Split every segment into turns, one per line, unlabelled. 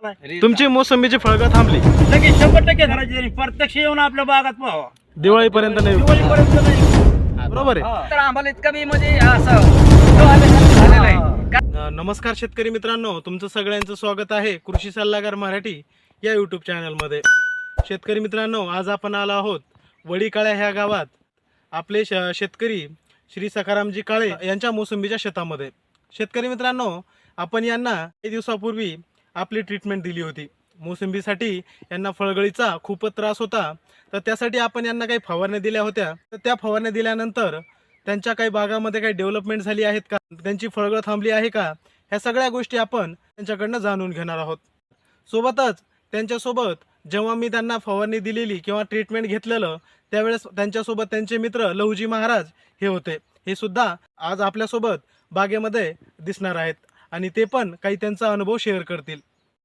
तुमची मोसंबीची फळगळ थांबली,
लगेच 100% धरायची तरी प्रत्यक्ष येऊन आपल्या बागात पाहावा.
दिवाळीपर्यंत नाही.
दिवाळीपर्यंत नाही.
बरोबर आहे.
तर आम्हाला इतकं बी म्हणजे असं झालेलं आहे.
नमस्कार शेतकरी मित्रांनो, तुमचं सगळ्यांचं स्वागत आहे कृषी सल्लागार मराठी या यूट्यूब चॅनलमध्ये. शेतकरी मित्रांनो, आज आपण आलो आहोत वडीकाळ्या ह्या गावात आपले शेतकरी श्री सखारामजी काळे यांच्या मोसंबीच्या शेतामध्ये. शेतकरी मित्रांनो, आपण यांना काही दिवसापूर्वी आपली ट्रीटमेंट दिली होती. मोसंबीसाठी यांना फळगळीचा खूपच त्रास होता, तर त्यासाठी आपण यांना काही फवारण्या दिल्या होत्या. तर त्या फवारण्या दिल्यानंतर त्यांच्या काही भागामध्ये काही डेव्हलपमेंट झाली आहेत का, त्यांची फळगळ थांबली आहे का, ह्या सगळ्या गोष्टी आपण त्यांच्याकडनं जाणून घेणार आहोत. सोबतच त्यांच्यासोबत जेव्हा मी त्यांना फवारणी दिलेली किंवा ट्रीटमेंट घेतलेलं त्यावेळेस त्यांच्यासोबत त्यांचे मित्र लहुजी महाराज हे होते. हे सुद्धा आज आपल्यासोबत बागेमध्ये दिसणार आहेत आणि ते पण काही त्यांचा अनुभव शेअर करतील.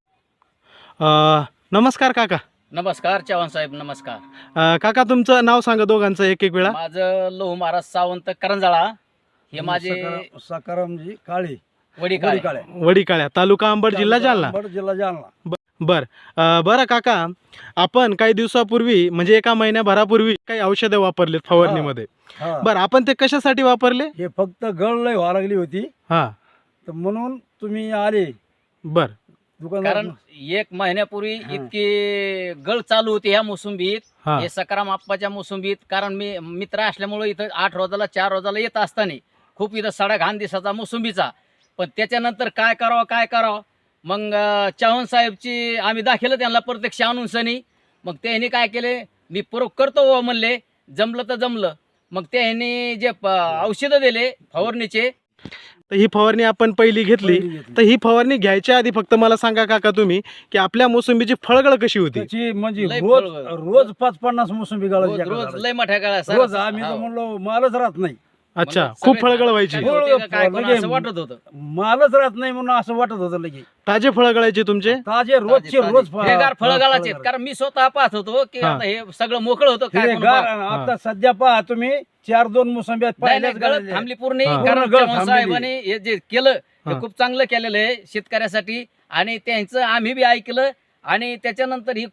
नमस्कार काका.
नमस्कार चव्हाण साहेब, नमस्कार.
काका, तुमचं नाव सांगा दोघांचं एक एक वेळा.
माझं लहू महाराज सावंत करंजाळा, हे माझे
सखारामजी काळे,
वडीकाळे.
वडीकाळ्या, तालुका अंबड, जिल्हा जालना.
जिल्हा जालना.
बरं काका, आपण काही दिवसापूर्वी म्हणजे एका महिन्याभरापूर्वी काही औषधे वापरलेत फवारणीमध्ये. बरं, आपण ते कशासाठी वापरले?
हे फक्त गळ लय व्हायला लागली होती,
हा,
तर म्हणून तुम्ही आले
बर.
दुकानात.
कारण एक महिन्यापूर्वी इतकी गळ चालू होती ह्या मोसंबीत,
हा.
हे सकाराम आप्पाच्या मोसंबीत. कारण मी मित्र असल्यामुळे इथं 8 रोजाला 4 रोजाला येत असताना खूप इथं सडा घाण दिसायचा मोसंबीचा. पण त्याच्यानंतर काय करावं मग चव्हाण साहेबची आम्ही दाखवलं त्यांना प्रत्यक्ष आणून सनी. मग त्यांनी काय केले, मी करतो म्हणले, जमलं तर जमलं. मग त्यांनी जे औषधं दिले फवारणीचे.
तर ही फवारणी आपण पहिली घेतली. तर ही फवारणी घ्यायच्या आधी फक्त मला सांगा काका तुम्ही की आपल्या मोसंबीची फळगळ कशी होती?
त्याची म्हणजे
लय
रोज 5-50 मोसंबी गाळायची.
रोज लय मोठ्या
रोज
काळा
आम्ही तर म्हणलो मालच राहत नाही.
अच्छा, खूप फळगळ व्हायची.
असं वाटत होतं.
मालच राहत नाही म्हणून असं वाटत होतं. लगे
ताजे फळ गळायचे तुमचे?
ताजे रोजचे रोज
हिरवेगार फळं घालायचे. कारण मी स्वतः पाहत होतो की आता हे सगळं मोकळं होतं. काय कोण
हिरवेगार.
पाहत.
आता सध्या पहा तुम्ही 4-2 मोसंब्यात
नाही, नाही,
पाहिल्याच
गळत थांबली पूर्ण.
हा.
कारण
पूर्ण गळत
चव्हाण
थांबलेली.
साहेबांनी हे जे केलं
हा.
हे खूप चांगलं केलेलं आहे शेतकऱ्यासाठी. आणि त्यांचं आम्ही बी ऐकलं आणि त्याच्यानंतर ही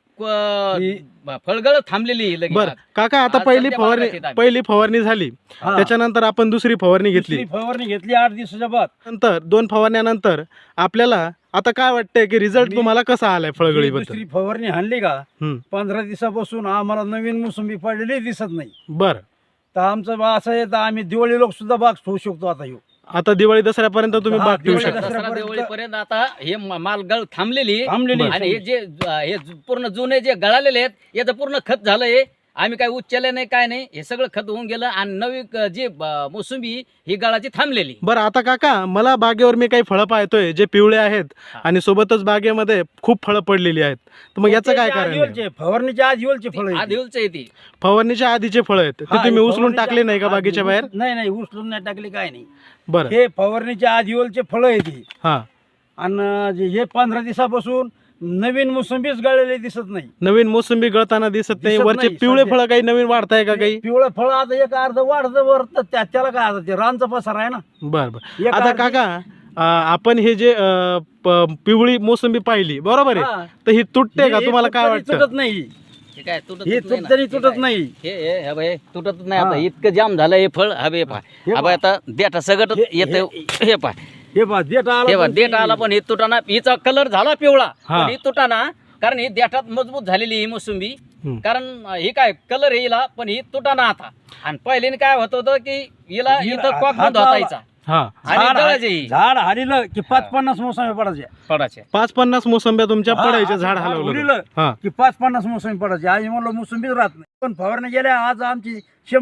फळगळ थांबलेली लगे.
बर काका, आता
आज
पहिली
सध्या बागायत आहेत आम्ही.
फवारणी झाली,
हा.
त्याच्यानंतर आपण दुसरी फवारणी घेतली.
दुसरी फवारणी घेतली 8 दिवसाच्या बाद.
नंतर 2 फवारण्यानंतर आपल्याला आता काय वाटतंय की रिझल्ट तुम्हाला कसा आलाय फळगळीबद्दल?
दुसरी फवारणी हाणली का
हम्म.
15 दिवसापासून आम्हाला नवीन मोसंबी पडलेली दिसत नाही.
बर.
तर आमचं असं आहे, तर आम्ही दिवाळी लोक सुद्धा बाग ठेवू शकतो आता येऊ.
आता दिवाळी दसऱ्यापर्यंत तुम्ही
हा,
बाग ठेवू
दिवाळी
शकता.
दसऱ्या-
दिवाळीपर्यंत आता हे मालगळ थांबलेली.
थांबलेली.
आणि हे जे हे पूर्ण जुने जे गळालेले आहेत याचं पूर्ण खत झालंय. आम्ही काय उच्चले नाही, काय नाही, हे सगळं खत होऊन गेलं. आणि नवी जी मोसंबी ही गळाची थांबलेली.
बरं, आता काका, मला बागेवर मी काही फळं पाहतोय जे पिवळे आहेत आणि सोबतच बागेमध्ये खूप फळं पडलेली आहेत. तर मग याचं काय कारण आहे?
फवारणीच्या आधीवलचे फळ
आदिवलचं आहे ती.
फवारणीच्या आधीचे फळं आहेत ते
हा,
तुम्ही उचलून
फवारणीच्या
टाकले नाही का बागेच्या बाहेर?
नाही, उचलून नाही टाकले, काय नाही.
बरं.
हे फवारणीच्या आधीवलचे फळ आहे ती.
हा,
आणि हे 15 दिवसापासून नवीन मोसंबीच गळलेले दिसत नाही.
नवीन मोसंबी गळताना दिसत नाही.
दिसत
वरचे
नाही,
पिवळे
सध्या.
फळं काही नवीन वाढताय का काही?
पिवळं फळ आता एक अर्ध वाढतं वर, तर त्याला काय आता ते रानचा पसार आहे ना.
बर बर.
एक
आता
अर्धी-
काका, आपण हे जे पिवळी मोसंबी पाहिली, बरोबर आहे,
हा.
तर ही तुटते का?
हे
तुम्हाला काय
तुटत
वाटतं?
नाही.
हे काय तुटत
हे
नाही ना.
तरी
हे
तुटत
काय?
नाही.
हे बाई तुटत नाही.
हा.
आता इतकं जाम झालं हे फळ. हवे पाय
हे
हवा आता देठा सगळं येतं. हे पाय
हे पहा देठ आला,
हे बघ
पण
देठ
ती-
आला पण हे तुटाना. हिचा कलर झाला पिवळा
हा.
पण ही तुटाना. कारण ही देठात मजबूत झालेली ही मोसंबी.
हम्म.
कारण ही काय कलर येईला पण ही तुटाना आता. आणि पहिल्याने काय होत होतं की हिला इथं कॉक बंद
हाताला-
होतायचा
हा,
आणि गळायची ही
झाड हारिलं की 5-50 मोसंबी पडायचे.
फळाचे.
50 मोसंब्या तुमच्या
हा,
पडायच्या, झाड
झाड
हलवलं
उडीलं.
हा.
की 5-50 मोसंबी पडायचे. आज म्हणलं मोसंबीच राहत नाही. पण फवारणी गेल्या आज आमची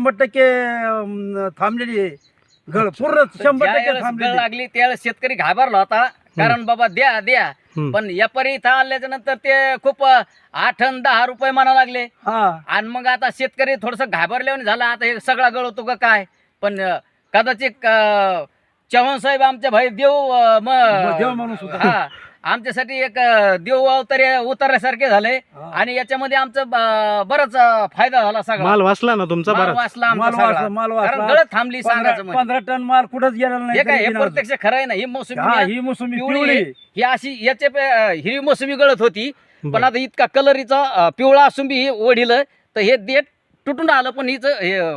100% थांबलेली आहे. गळ पूर्ण 100%
ज्यावेळेस गळ
थांबलेली.
लागली त्यावेळेस शेतकरी घाबरला होता. कारण बाबा द्या
हम्म.
पण व्यापारी इथं आल्याच्या नंतर ते खूप 8 आणि 10 रुपये म्हणा लागले.
हा.
आणि मग आता शेतकरी थोडस घाबरल्याने झाला. आता हे सगळा गळ होतो का काय. पण कदाचित चव्हाण साहेब आमच्या भाई देव
देव माणूस होता.
हा आमच्यासाठी एक देव अवतारे उतरल्यासारखे झाले
हा.
आणि याच्यामध्ये आमचं बराच फायदा झाला सगळा.
माल वाचला ना तुमचा
माल
बराच.
वाचला आमचा
माल
सगळा.
वाचला, माल
कारण
वाचला.
गळत थांबली सांगायचं म्हणजे.
15 टन माल कुठंच गेलेला नाही
हे काय
तरी
हे
बिना
प्रत्यक्ष खरं आहे ना. ही मोसंबी
हा,
आहे,
ही मोसंबी
पिवळी
पिवळी
आहे. ही अशी याच्या हिरवी मोसंबी गळत होती पण
बरं.
आता इतका कलरीचा पिवळा असून बी वडील तर हे देठ तुटून आलं पण हिच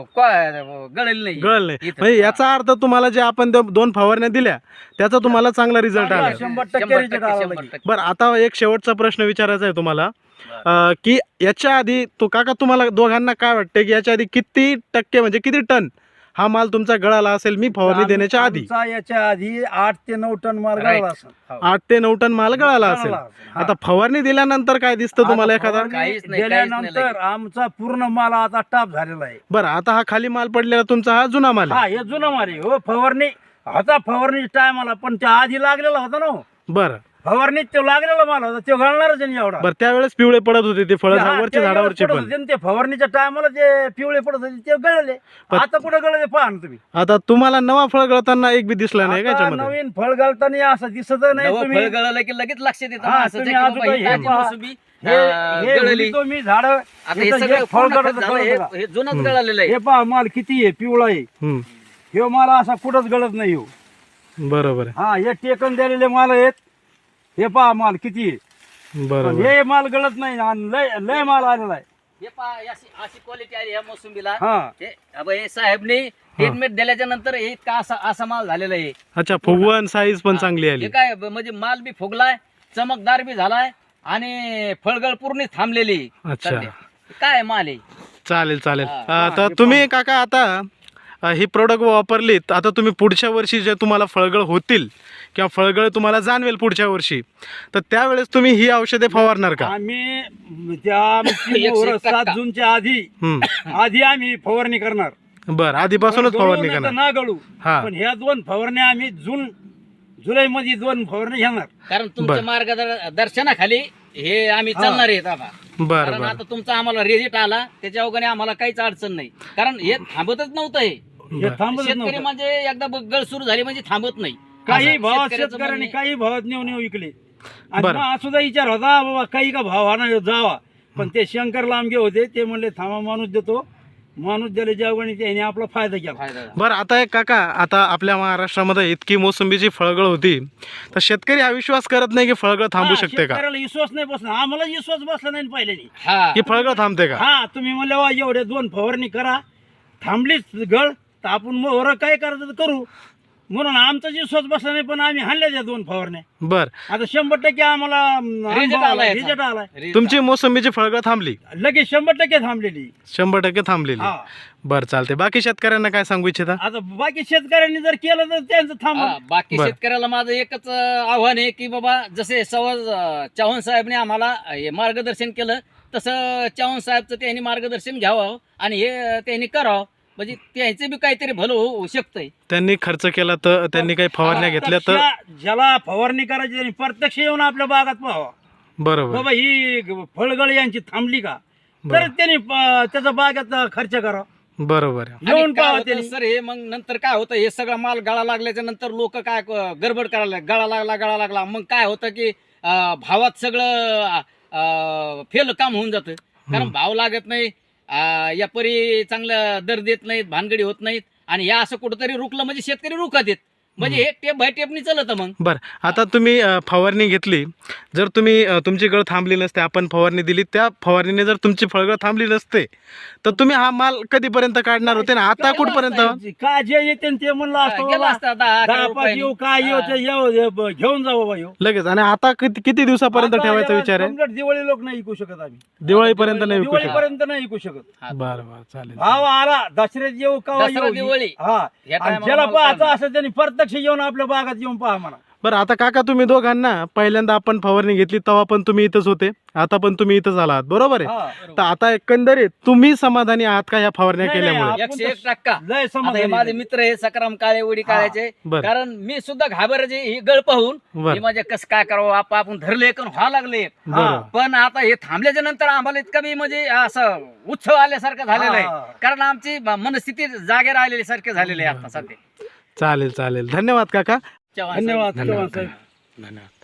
गळलेलं नाही.
गळ नाही
इथं.
म्हणजे याचा अर्थ तुम्हाला जे आपण 2 फवारण्या दिल्या त्याचा तुम्हाला चांगला रिझल्ट
चांगला
आला.
100% result आला लगे.
बरं आता एक शेवटचा प्रश्न विचारायचा आहे तुम्हाला की याच्या आधी तो काका तुम्हाला दोघांना काय वाटते की याच्या आधी किती टक्के म्हणजे किती टन हा माल तुमचा गळाला असेल मी फवारणी देण्याच्या आधी?
आमचा याच्या आधी 8 ते 9 टन माल
Right.
गळाला असेल.
8 ते 9 टन माल गळाला असेल.
गळाला असेल. हा.
आता फवारणी दिल्यानंतर काय दिसतं तुम्हाला
आता
एखादा?
फवारणी
काहीच नाही,
गेल्यानंतर
काहीच
आमचा पूर्ण माल आता टाप झालेला आहे.
बरं आता हा खाली माल पडलेला तुमचा हा जुना माल आहे.
हा हे जुना माल आहे. हो फवारणी होता फवारणी टायमाला पण त्या आधी लागलेला होता ना हो.
बरं
फवारणीत तो लागलेला माल होता तो गळणारच नाही एवढा.
बरं त्यावेळेस पिवळे पडत होते ते फळ
हा,
वरच्या
त्या
झाडावरचे
पडत
पण.
होते ना ते फवारणीच्या टायमाला ते पिवळे पडत होते ते गळले.
पण-
आता कुठे गळले पहा ना तुम्ही.
आता तुम्हाला नवा फळ गळताना एक बी दिसला नाही का
आता
याच्यामध्ये?
नवीन फळ घालताना असं दिसत नाही
नवं
तुम्ही.
फळ गळलं की लगेच लक्षात येतं
हा,
ना असं
तुम्ही
जे की
अजून
बाबा ही
हे
ताजी
पहा.
मोसंबी,
हे
गळली.
उगीतो मी झाड
आता हे सगळं
फळ
पूर्ण
गळत
खत झालं, हे जुनच गळालेलं आहे.
हे पहा माल किती आहे पिवळा आहे.
हम्म,
हे माल असा कुठंच गळत नाही हो.
बरोबर आहे.
हा हे टेकन दिलेले माल आहेत. हे पहा माल किती आहे. पण
बरोबर
हे माल गळत नाही आणि लय लय माल आलेला आहे.
हे पहा अशी क्वालिटी आली या मोसंबीला.
हा
हे अब हे साहेबने ट्रीटमेंट दिल्याच्या नंतर हे इतका असा माल झालेला आहे.
अच्छा फुगवण साईज पण चांगली आली.
हे काय म्हणजे माल बी फुगलाय चमकदार बी झालाय आणि फळगळ पूर्ण थांबलेली आहे
अच्छा.
सध्या. काय माल आहे.
चालेल चालेल.
हा,
आता तुम्ही काका आता ही प्रोडक्ट वापरलीत आता तुम्ही पुढच्या वर्षी जे तुम्हाला फळगळ होतील किंवा फळगळ तुम्हाला जाणवेल पुढच्या वर्षी तर त्यावेळेस तुम्ही ही औषधे फवारणार का?
आम्ही त्या आमची
101
मोहर
टक्का.
7 जूनच्या आधी आम्ही फवारणी करणार.
बरं आधीपासूनच
गळू
फवारणी
नाही तर
करणार.
ना गळू
हा.
पण ह्या 2 फवारण्या आम्ही जुलै मध्ये 2 फवारणी घेणार.
कारण तुमच्या
बरं.
मार्गदर्शनाखाली हे आम्ही
हा.
चालणार आहेत आता.
बरं
कारण
बरं
आता तुमचा आम्हाला रिझल्ट आला त्याच्या अवघाने आम्हाला काहीच अडचण नाही. कारण हे थांबतच नव्हतं हे.
हे
बरं.
थांबत
शेतकरी
नव्हतं.
म्हणजे एकदा गळ सुरू झाली म्हणजे थांबत नाही.
काही
असं
भावात
शेतकऱ्याचं
शेतकऱ्यांनी
म्हणणं
काही भावात नेऊ विकले आणि
बरं.
मग सुद्धा विचार होता बाबा काही का भाव हा जावा पण ते शंकर लांबगे होते ते म्हणले थांबा माणूस देतो. माणूस दिले जेवणी त्याने आपला फायदा केला.
फायदा झाला.
बरं आता एक काका आता आपल्या महाराष्ट्रामध्ये इतकी मोसंबीची फळगळ होती तर शेतकरी हा विश्वास करत नाही की फळगळ थांबू
हा,
शकते का?
शेतकऱ्याला विश्वास नाही बसला आम्हाला विश्वास बसला नाही पहिल्यानी.
हा
की फळगळ थांबते का?
हा तुम्ही म्हणले वा एवढे 2 फवारणी करा थांबलीच गळ तर आपण मोहर काय करायचं ते करू म्हणून आमचा विश्वास बसला नाही पण आम्ही हाणल्या त्या 2 फवारण्या.
बर
आता 100% आम्हाला
Result आलाय याचा.
रिझल्ट आलाय.
Result
तुमची मोसंबीची फळगळ थांबली
लगेच 100% थांबलेली.
100% थांबलेली.
हा
बर चालते. बाकी शेतकऱ्यांना काय सांगू इच्छिता?
आता बाकी शेतकऱ्यांनी जर केलं तर त्यांचं थांब.
हा, बाकी
बरं.
शेतकऱ्याला माझं एकच आव्हान आहे की बाबा जसे चव्हाण साहेबने आम्हाला हे मार्गदर्शन केलं तसं चव्हाण साहेबचं त्यांनी मार्गदर्शन घ्यावं आणि हे त्यांनी करावं म्हणजे त्यांचे बी काहीतरी भलं होऊ शकतंय.
त्यांनी खर्च केला तर त्यांनी काही फवारण्या घेतल्या तर
ज्याला फवारणी करायची त्यांनी प्रत्यक्ष येऊन आपल्या बागात पाहावा
बरोबर
बाबा ही फळगळ यांची थांबली का
बरं.
तर त्यांनी त्याचा बागात खर्च करावा.
बरोबर आहे.
येऊन
आणि काय
पाहा
होतं
त्यांनी.
सर हे मग नंतर काय होतं हे सगळा माल गळा लागल्याच्या नंतर लोक काय गडबड करायला गळा लागला मग काय होतं की भावात सगळं फेल काम होऊन जातं. कारण भाव लागत नाही या परी चांगलं दर देत नाहीत भानगडी होत नाहीत आणि या असं कुठंतरी रुकलं म्हणजे शेतकरी रुकत येत म्हणजे हे टेप बाय टेपनी चालत मग.
बर आता तुम्ही फवारणी घेतली जर तुम्ही तुमची गळ थांबली नसते आपण फवारणी दिली त्या फवारणीने जर तुमची फळगळ थांबली नसते तर तुम्ही हा माल कधीपर्यंत काढणार होते ना आता कुठपर्यंत?
काय जे येते ते म्हणलं असतं
गेला
बाबा,
असता 10-11
दहा पाच
रुपयांनी.
येऊ काय येऊ ते येऊ घेऊन जाऊ बाबा येऊ.
लगेच? आणि आता किती दिवसापर्यंत
आता
ठेवायचा
याला
विचार आहे?
complete दिवाळी लोक नाही विकू शकत आम्ही.
दिवाळीपर्यंत नाही विकू शकत?
दिवाळीपर्यंत नाही विकू शकत.
हा.
बरं बरं चालेल.
भाव आला दसऱ्यात येऊ का
दसरा,
येऊ
दिवाळी.
हा
या
आणि
time
ज्याला
ला
पाहायचं
माल
असं त्यांनी प्रत्यक्ष येऊन आपल्या बागात येऊन पहा म्हणा.
बरं आता काका तुम्ही दोघांना पहिल्यांदा आपण फवारणी घेतली तेव्हा पण तुम्ही इथंच होते आता पण तुम्ही इथंच आलात बरोबर आहे?
हा.
तर आता एकंदरीत तुम्ही समाधानी आहात का ह्या फवारण्या
नाही,
केल्यामुळे?
नाही,
101%
लय
आता हे
समाधानी
माझे मित्र आहे सकराम काळे उडी काळ्याचे
बरं.
कारण मी सुद्धा घाबरायचे ही गळ पाहून
बरं.
हे म्हणजे कसं काय करावं आपण धरले करून व्हावं लागले
बरं.
पण आता हे थांबल्याच्या नंतर आम्हाला इतकं बी म्हणजे असं उत्सव आल्यासारखं झालेलं
हा.
आहे कारण आमची मनस्थिती जागेवर आलेली सारखे झालेले आहे आता सध्या.
चालेल चालेल. धन्यवाद काका.
चव्हाण साहेब.
धन्यवाद
धन्यवाद
चव्हाण साहेब.
धन्यवाद.